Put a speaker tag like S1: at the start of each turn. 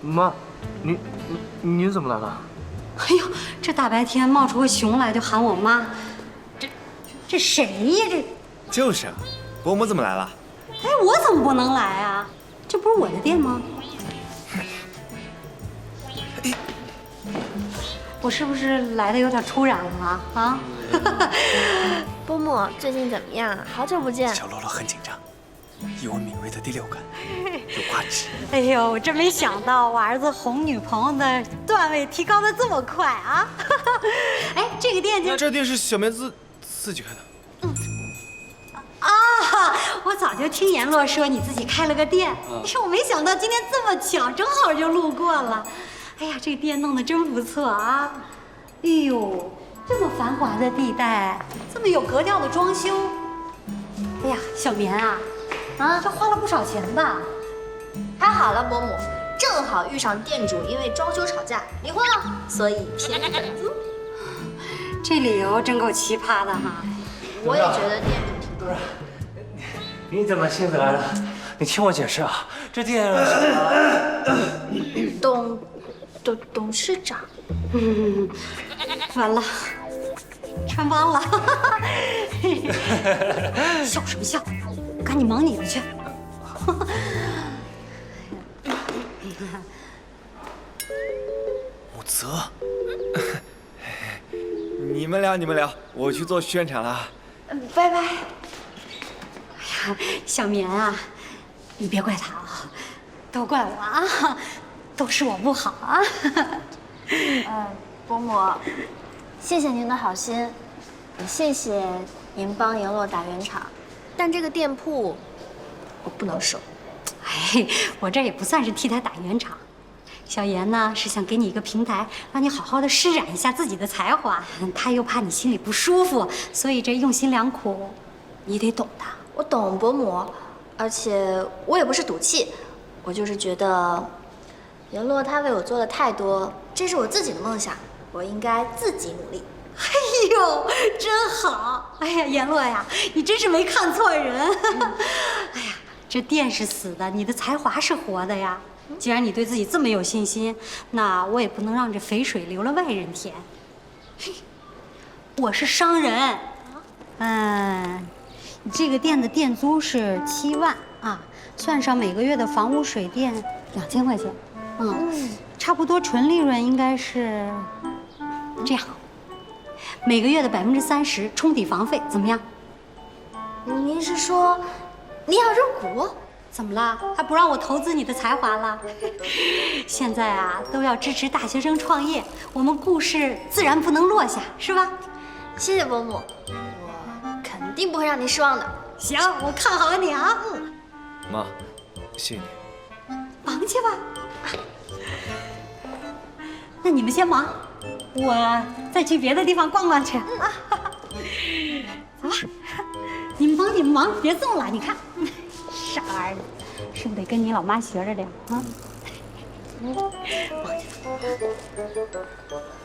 S1: 妈，您怎么来了？
S2: 哎呦，这大白天冒出个熊来就喊我妈，这谁呀？
S3: 就是啊，伯母怎么来了？
S2: 哎，我怎么不能来啊？这不是我的店吗？我是不是来的有点突然了啊？
S4: 伯母最近怎么样？好久不见。
S3: 小喽啰很紧张，以我敏锐的第六感，有挂齿。
S2: 哎呦，我真没想到我儿子哄女朋友的段位提高的这么快啊！哎，这个店就……
S3: 那这店是小梅自己开的。
S2: 啊，我早就听阎罗说你自己开了个店，哎呦，我没想到今天这么巧，正好就路过了。哎呀，这个店弄得真不错啊！哎呦，这么繁华的地带，这么有格调的装修。哎呀，小棉啊，这花了不少钱吧？
S4: 还好了，伯母，正好遇上店主因为装修吵架离婚了，所以便宜点租。
S2: 这理由真够奇葩的哈！
S4: 我也觉得店主挺对。
S1: 你怎么亲自来了？你听我解释啊，这店
S4: 董事长，
S2: 完了，穿帮了！笑什么笑？赶紧忙你的去。
S3: 武泽，你们聊，我去做宣传了。
S4: 拜拜。
S2: 哎呀，小棉啊，你别怪他啊，都怪我啊，都是我不好啊。
S4: 伯母，谢谢您的好心，也谢谢您帮阎罗打圆场，但这个店铺我不能收。
S2: 哎，我这也不算是替他打圆场。小妍呢是想给你一个平台，让你好好的施展一下自己的才华。他又怕你心里不舒服，所以这用心良苦，你得懂的。
S4: 我懂伯母，而且我也不是赌气，我就是觉得阎罗他为我做的太多，这是我自己的梦想，我应该自己努力。
S2: 哎呦，真好！哎呀，阎罗呀，你真是没看错人。哎呀，这店是死的，你的才华是活的呀。既然你对自己这么有信心，那我也不能让这肥水流了外人田。我是商人，你这个店的店租是7万啊，算上每个月的房屋水电2000块钱，差不多纯利润应该是这样，每个月的30%冲抵房费，怎么样？
S4: 您是说你要入股？
S2: 怎么了？还不让我投资你的才华了？现在啊，都要支持大学生创业，我们顾氏自然不能落下，是吧？
S4: 谢谢伯母，我肯定不会让您失望的。
S2: 行，我看好你啊。
S3: 妈，谢谢你。
S2: 忙去吧。那你们先忙，我再去别的地方逛逛去。走吧，你们忙，别送了。你看。傻儿子，是不是得跟你老妈学着点啊？忙去。